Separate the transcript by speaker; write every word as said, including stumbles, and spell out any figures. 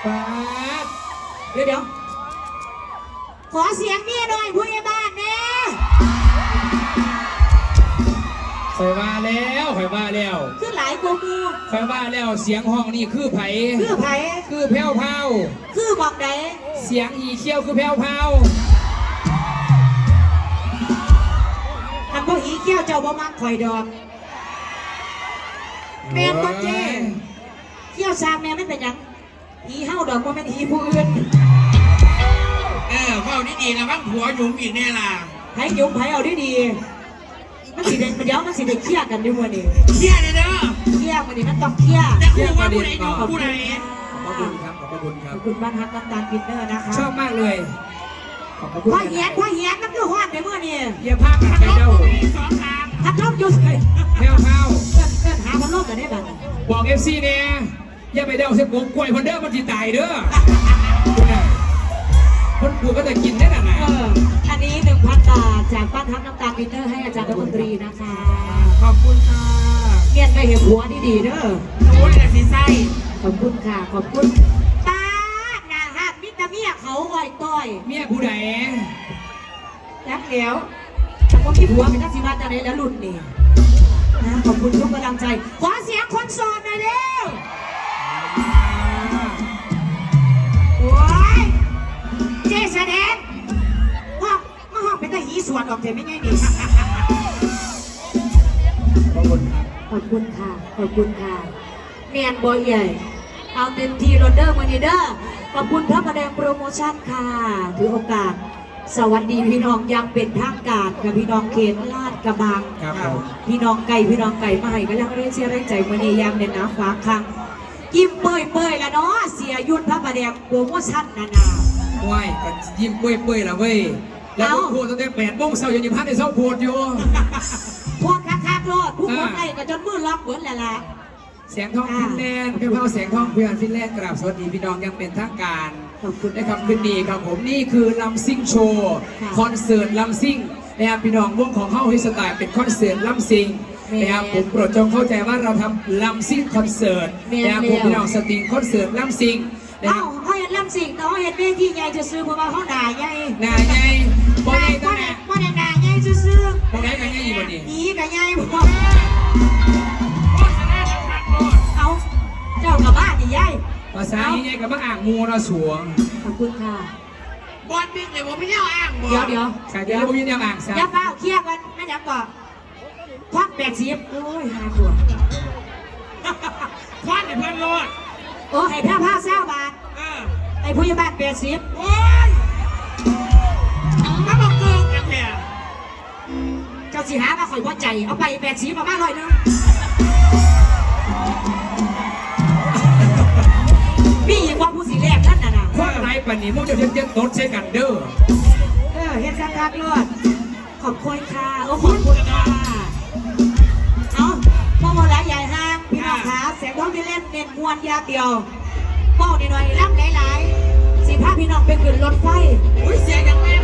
Speaker 1: ป้า
Speaker 2: เดี๋ยวเดี๋ยวขอเสียงเมียหน่อยผู้ใหญ่บ้านเนี่ย
Speaker 1: คอยว่าแล้วคอยว่าแล้ว
Speaker 2: คือหลายกูมู
Speaker 1: คอยว่าแล้วเสียงห้องนี่คือไผ่
Speaker 2: คือไผ่
Speaker 1: คือแผ่วเผา
Speaker 2: คือบอกไหน
Speaker 1: เสียงอีเขี้ยวคือแผ่วเผา
Speaker 2: อันพวกอีเขี้ยวเจ้าบ่มักข่อยดอกแม่ตัวเจ้เขี้ยวซามแม่ไม่เป็นยังอีเฮาดอกว่าเป็นอีผู้อื่น
Speaker 3: เออเฝ้านี่ดีนะบ้างผัวหยุ่มอีกแน่ล่ะ
Speaker 2: ไผ่หยุ่มไผ่เอาดีดีมันสิเด็กมันเดี๋ยวมันสิเด็กเคี่ยกันด้วยวันนี้
Speaker 3: เคี่ยเลยเด้อ
Speaker 2: เคี่ยวันนี้มันต้องเคี่ย
Speaker 3: แต่คู่ว่าผู้ใดอยู่ผู้ใด
Speaker 1: ขอบคุณครับขอบคุณครับ
Speaker 2: ขอบคุณบ้านฮักน้ำตาลปินเนอร์นะคะ
Speaker 1: ชอบมากเลย
Speaker 2: ขอบคุณพ่อเหี้ยนพ่อเหี้ยนมันคือฮอดในเมื่อนี่
Speaker 1: เยี่ยมภาพกันใจเด้า
Speaker 3: สองทาง
Speaker 2: พัดลมอยู่เลย
Speaker 1: แผ่วเผา
Speaker 2: เกิดเกิดหาพัดลมกันได้บ้าง
Speaker 1: บอกเอฟซีเนี่ยอย่าไปเด้าเสียกงกล้วยพันเด้อมันจีตายเด้อคนปลูกก็จะกินได้น่ะนะ
Speaker 2: อันนี้หนึ่งพันบาทจากบ้านฮักน้ำตาลปินเนอร์ให้อาจารย์รัฐมนตรีนะคะ
Speaker 1: ขอบคุณค่ะ
Speaker 2: เมียนไปเห็นหัวดีดีเด้อ
Speaker 3: โอ้ยแต่สีไส้
Speaker 2: ขอบคุณค่ะขอบคุณป้าหน้าหักมิตรเมียเขาอ่อยต้อย
Speaker 1: เมียผู้ใด
Speaker 2: ยักเดี๋ยวแต่ว่าพี่ผัวเป็นนักศิลป์จะได้แล้วหลุดนี่นะขอบคุณทุกกำลังใจขอเสียงคนโสดหน่อยเร็วโอ้ยเจแสดงห้องมาห้องเป็นตาหีสวนออกเถอะไม่ง่ายดี
Speaker 1: ขอบคุณครับ
Speaker 2: ขอบคุณค่ะขอบคุณค่ะเมียนบอยใหญ่เอาเต็มทีโรเดอร์มานีเดอร์ขอบคุณพระประแดงโปรโมชั่นค่ะถือโอกาสสวัสดีพี่น้องยังเป็นทางการกับพี่น้องเขตลาดกระบังพี่น้องไก่พี่น้องไก่มาให้ก็ยังเรียกเชียร์เรียกใจมาในยามเด่นน้ำฟ้าคังยิ้มเปื่อยเปื่อยละเนาะเสียยุทธพระประแดงโปรโมชั่นนานา
Speaker 1: ว้ายกันยิ้มเปื่อยเปื่อยละเว้ยแล้วพวกพูดตั้งแต่แปดโมงเช้ายังยิ้มพัดในเช้าพูดอยู่
Speaker 2: พวกคักคักโลดผู้คนไอ้ก็จนมือล็อกเหมือนแหละล่ะ
Speaker 1: เสียงทองฟินแลนด์เพื่อเผาเสียงทองเพื่อนฟินแลนด์กราบสวัสดีพี่น้องยังเป็นทางการ
Speaker 2: ขอบคุณ
Speaker 1: นะครับคืนดีครับผมนี่คือลำซิ่งโชว์คอนเสิร์ตลำซิ่งนะครับพี่น้องวงของเข้าฮิสไตล์เป็นคอนเสิร์ตลำซิ่งนะครับผมโปรดจงเข้าใจว่าเราทำลำซิ่งคอนเสิร์ตนะครับผมพี่น้องสตรีมคอนเสิร์ตลำซิ่ง
Speaker 2: เอ้าเขาเห็นลำซิ่งแต่เขาเห็นเวทีใหญ่จะซื้อเพราะว่าเขาหนาใหญ่
Speaker 1: หนาใหญ่
Speaker 2: บ่ใหญ่บ่ใหญ่บ่ใหญ่หนาใหญ่ซื้อ
Speaker 1: ตรงไหนกันใหญ่กว่านี้
Speaker 2: อีกันใหญ่บ่เอาเจ้ากับบ้านใหญ่
Speaker 1: ภาษาใหญ่กับบ้าอ่างมูระสวง
Speaker 2: ขอบคุณค่ะ
Speaker 3: บอลบิ๊กเลยว่าไม่เอาอ่างบ่
Speaker 2: เดี๋ยวเดี๋ยว
Speaker 1: เดี๋ยวผมยืนยันอ่างซะ
Speaker 2: อย่าเฝ้าเครียดกันไม่อยากก่อนควักแปดสิบโอ้ยห้าตัว
Speaker 3: ควันในเพื่อนรอด
Speaker 2: โอ้ให้แพ้ผ้าเศร้าบาทไอ้ผู้ใหญ่บ้านแปดสิบ
Speaker 3: โอ้ยมาบอกเกินกันแท้
Speaker 2: เจ้าสิหามาข่อยพอใจเอาไปแปดสิบมาบ้านลอยนึงมีอีกว่าผู้สีแรกนั่นน่ะนะ
Speaker 1: ว่าอะไรปนี้มุกจะเทียบเทียบโต๊ะใช้กันเด้อ
Speaker 2: เออเฮ็ดคักคักรอดขอบคุณค่ะโอ้ขอบคุณค่ะเอาพ่อโมละใหญ่ห้างพี่น้องขาเสียงท้องที่เล่นเน้นมวนยาเดียวเป้าหน่อยๆรับหลายๆสิพาพี่น้องไปขึ้นรถไฟ
Speaker 3: อุ้ยเสียงยังไง